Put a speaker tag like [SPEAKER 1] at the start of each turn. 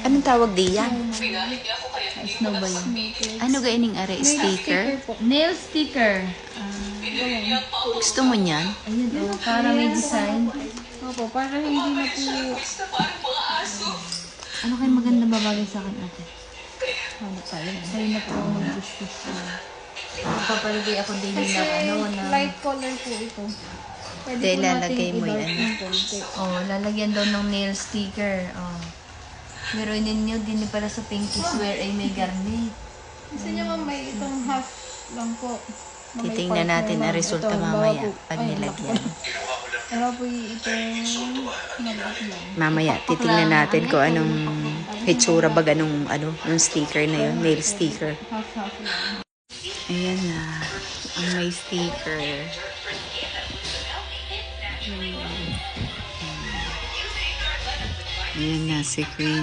[SPEAKER 1] Anong tawag diyan?
[SPEAKER 2] Snow ba yun?
[SPEAKER 1] Ano gaining are? Sticker?
[SPEAKER 2] Nail sticker.
[SPEAKER 1] Gusto mo niyan?
[SPEAKER 2] Ayun, oh, para may design.
[SPEAKER 3] Opo, para hindi na po...
[SPEAKER 2] Ano kayo maganda babagay sa akin, ate?
[SPEAKER 3] Ano tayo?
[SPEAKER 2] Sa'yo na po ako mag-gusto. Magpapalagay ako din
[SPEAKER 3] Kasi
[SPEAKER 2] na
[SPEAKER 3] light color po ito. Pwede
[SPEAKER 1] Hindi,
[SPEAKER 3] po
[SPEAKER 1] lalagay
[SPEAKER 3] natin
[SPEAKER 1] mo
[SPEAKER 3] i-dark
[SPEAKER 1] yan.
[SPEAKER 3] ng konti.
[SPEAKER 2] Oh, lalagyan daw ng nail sticker. Oh. Meron ninyo din pala sa Pinky Swear ay may garnet.
[SPEAKER 3] Gusto niyo ma'am, may itong half lang po. Na may
[SPEAKER 1] Titingnan
[SPEAKER 3] partner
[SPEAKER 1] natin
[SPEAKER 3] lang.
[SPEAKER 1] ang resulta
[SPEAKER 3] Ito,
[SPEAKER 1] mamaya
[SPEAKER 3] bawa po-
[SPEAKER 1] pag
[SPEAKER 3] ay,
[SPEAKER 1] nilagyan.
[SPEAKER 3] Bawa po itong nag-up lang.
[SPEAKER 1] Mamaya, titingnan natin kung anong hitsura ba ganong yung sticker na yun, nail sticker.
[SPEAKER 3] Half lang.
[SPEAKER 1] Ayan na, ang may sticker. Ayan na si Queen.